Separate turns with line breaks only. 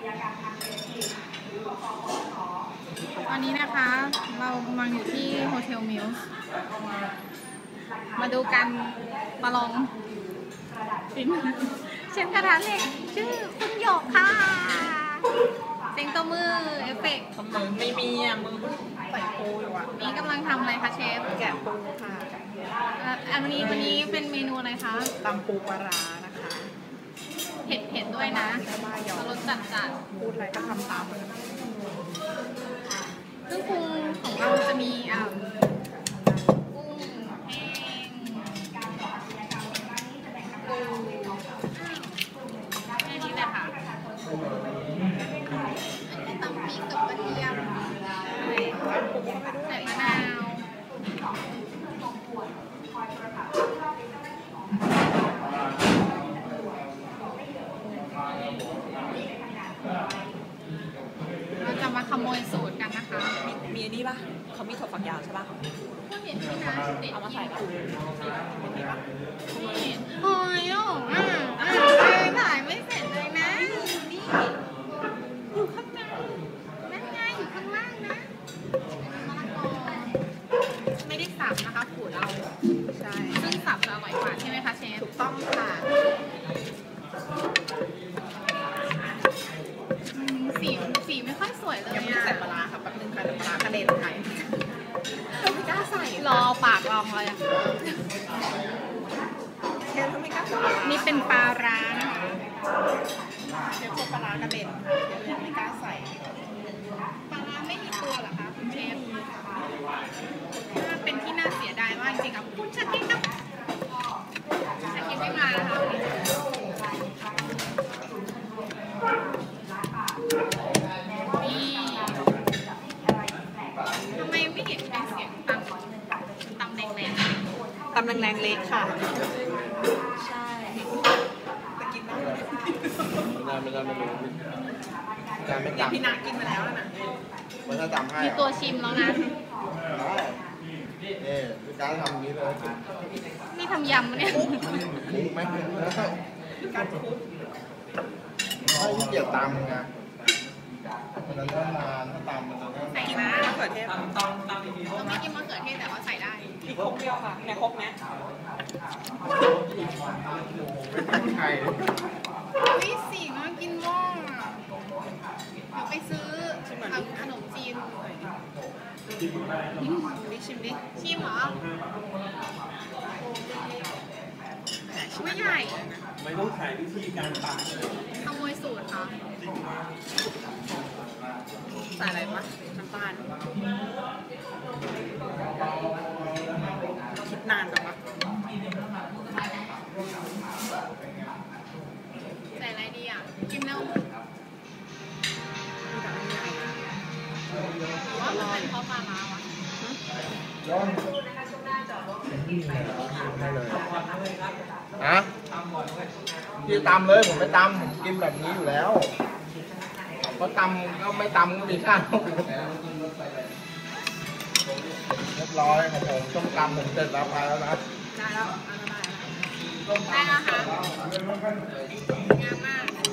ตอนนี้นะคะเรากำลังอยู่ที่โฮเทลมิลส์มาดูกันมาลองเชฟกระทะเหล็กชื่อคุณหยกค่ะเสียงตัวมือเอฟเฟกต์
มือไม่มีอ่ะมือใส่ปูอยู่อ่ะ
นี่กำลังทำอะไรคะเชฟ
แกะปูค่ะ
อันนี้เป็นเมนูอะไรคะ
ตำปูปลาร้านะคะ
เผ็ดด้วยนะรสจัด
พูดอะไรก็ทำตามเลย
เครื่องปรุงของเราจะมีกุ้งแห้งแค่นี้แหละค่ะตำพริกกับกระเทียมใส่มะนาวเราจะมาขโมยสูตรกันนะคะ
มีอันนี้ป่ะเขามีถั่วฝักยาวใช่ป่ะ
ก็เห็นที่น้าติด
เอามาใส่ป่ะมีนี่ป่ะ
นี่โอ้ยโอ้ถ่ายไม่เสร็จเลยนะนี่อยู่ข้างในนั่นไงอยู่ข้างล่างนะมะละกอไม่ได้สับนะคะขูดเอา
ใช่
ซึ่งสับจะอร่อยกว่าใช่ไหมคะเชฟ
ถูกต้องค่ะ
สีไม่ค่อยสวยเลย
ยังไม่ได้ใส่ปลาร้าค่ะแป๊บนึงค่ะเดี๋ยวปลาร้ากระเด็นค่ะเราไม่กล้าใส่
รอปากลองเลยอะ
เชฟเขาไม่กล้าใส่
นี่เป็นปลาร้านะคะ
เชฟพวกปลาร้ากระเด็นค่ะเชฟยังไม่กล้าใส่
ปลาร้าไม่มีตัวเหรอคะคุณเชฟเป็นที่น่าเสียดายมากจริงๆครับคุณชาคิดครับชาคิดไม่มานะคะนี่ทำไมไม่เห็นเป็นเสียงตำแรง
ตำแรงๆเล็กค่ะใช่แต่กินได้
ไม่รู้การไม่
เดี๋ยว
จำ
พี่นากินมาแล้วนะ
มันจะจำให้
ๆมีตัวชิมแล้วนะ
นี่การทำอย่างนี้เลย
นี่ทำยำเนี่ย
มุกไหม
การคุก
ไม่ที่เกียจตำไงมันจะเริ่มนานถ้าตำมันจะเริ่ม
ใส่นะ
มะเขือเทศ
เราไม่กินมะเขือเทศแต่ว่าใส่ได้
อีกครกเดียวค่ะในครกนะ
ไม่ใช่
วิสีน่ากินมากเดี๋ยวไปซื้อขนมจีน
ดิชิมดิ
ชิมเหรอไม่ใหญ่
ไม่ต้องถ่ายวิธีการตัด
ขโมยสูตรค่ะ
ใส่อะไรปะน้ำตาลคิดนานจังวะ
ใส่อะไรดีอ่ะกินแล้ว
มีแต่อันใหญ่
หรือว่ามันเป็นเพราะปลาร้าวะ
ย้อนให้เลยฮะพี่ตำเลยผมไม่ตำผมกินแบบนี้อยู่แล้วเพราะตำก็ไม่ตำก็มีข้าวเรียบร้อยของผมต้มตำผมเสร็จแล้วไปแล้วนะ
ได้แล้วอันนั้นได้แล้ว
ได้แล้วค่ะงามมาก